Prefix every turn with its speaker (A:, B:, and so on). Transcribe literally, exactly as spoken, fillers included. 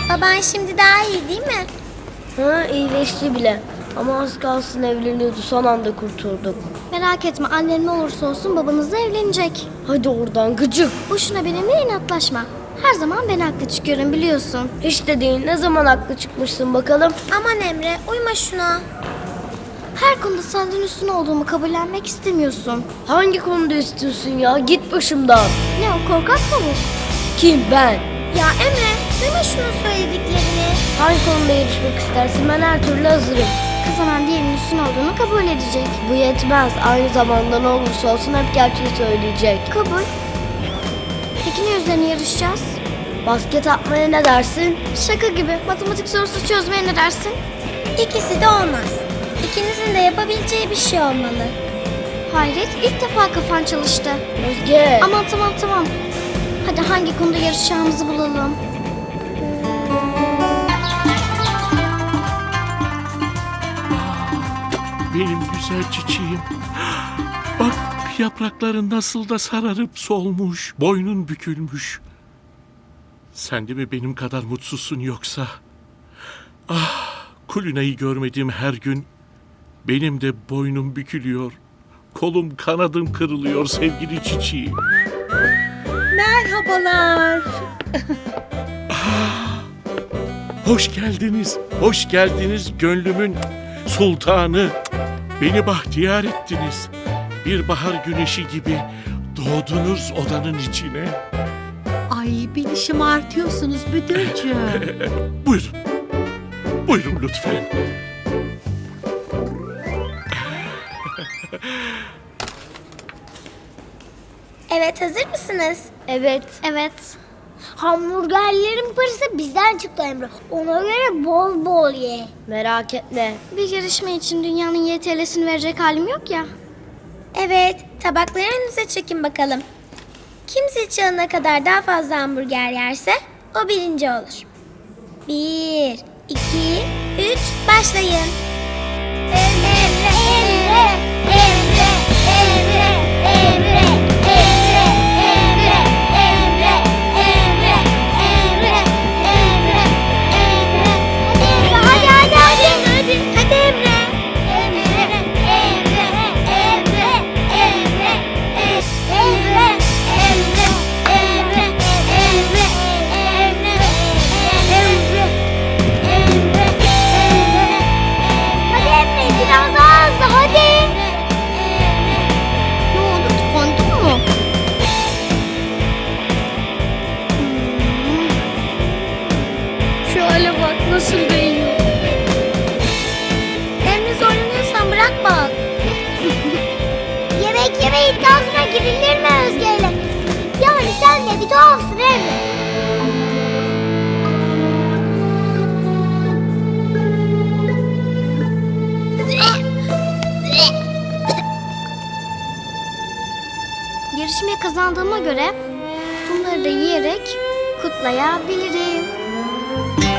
A: Baban şimdi daha iyi değil mi?
B: Ha, iyileşti bile. Ama az kalsın evleniyordu, son anda kurtulduk.
A: Merak etme, annen ne olursa olsun babanızla evlenecek.
B: Hadi oradan gıcık.
A: Boşuna benimle inatlaşma. Her zaman ben haklı çıkıyorum biliyorsun.
B: Hiç de değil, ne zaman haklı çıkmışsın bakalım.
A: Aman Emre, uyma şuna. Her konuda senden üstün olduğumu kabullenmek istemiyorsun.
B: Hangi konuda istiyorsun ya? Git başımdan.
A: Ne o korkak tavuk?
B: Kim, ben?
A: Ya Emre, duyma şunun söylediklerini.
B: Hangi konuda yarışmak istersin? Ben her türlü hazırım.
A: Kazanan diğerinin üstün olduğunu kabul edecek.
B: Bu yetmez. Aynı zamanda ne olursa olsun hep gerçeği söyleyecek.
A: Kabul. Peki ne üzerine yarışacağız?
B: Basket atmaya ne dersin?
A: Şaka gibi. Matematik sorusu çözmeye ne dersin? İkisi de olmaz. İkinizin de yapabileceği bir şey olmalı. Hayret, ilk defa kafan çalıştı.
B: Özge.
A: Aman tamam tamam. Hadi hangi konuda yarışacağımızı bulalım.
C: Benim güzel çiçeğim. Bak yaprakların nasıl da sararıp solmuş. Boynun bükülmüş. Sen de mi benim kadar mutsuzsun yoksa? Ah, Kulina'yı görmediğim her gün benim de boynum bükülüyor. Kolum kanadım kırılıyor sevgili çiçeğim.
D: Merhabalar.
C: Ah, hoş geldiniz. Hoş geldiniz gönlümün sultanı. Beni bahtiyar ettiniz. Bir bahar güneşi gibi doğdunuz odanın içine.
D: Ay beni şımartıyorsunuz müdürcüğüm.
C: Buyurun. Buyurun lütfen.
A: Evet, hazır mısınız?
B: Evet.
A: Evet. Hamburgerlerin parası bizden çıktı Emre. Ona göre bol bol ye.
B: Merak etme.
A: Bir yarışma için dünyanın Y T L'sini verecek halim yok ya. Evet, tabakları önünüze çekin bakalım. Kim zil çalana kadar daha fazla hamburger yerse o birinci olur. Bir, iki, üç, başlayın. Emre, Emre, Emre, Emre, Emre, Emre, Emre, Emre, Emre, Emre, Emre, Emre, Emre. Hadi hadi hadi. Hadi hadi Emre. Emre, Emre, Emre, Emre, Emre, Emre, Emre, Emre, Emre, Emre, Emre, Emre. Hadi Emre, biraz daha hızlı hadi. Ne oldu, tıkandın mı? Hmm. Şu hale bak nasıl değiyor. Emre zorlanıyorsan bırak bak. Yemek yeme iddiasına girilir mi Özge'yle? Yani sen de bir tuhafsın Emre. Yarışmayı kazandığıma göre bunları da yiyerek kutlayabilirim.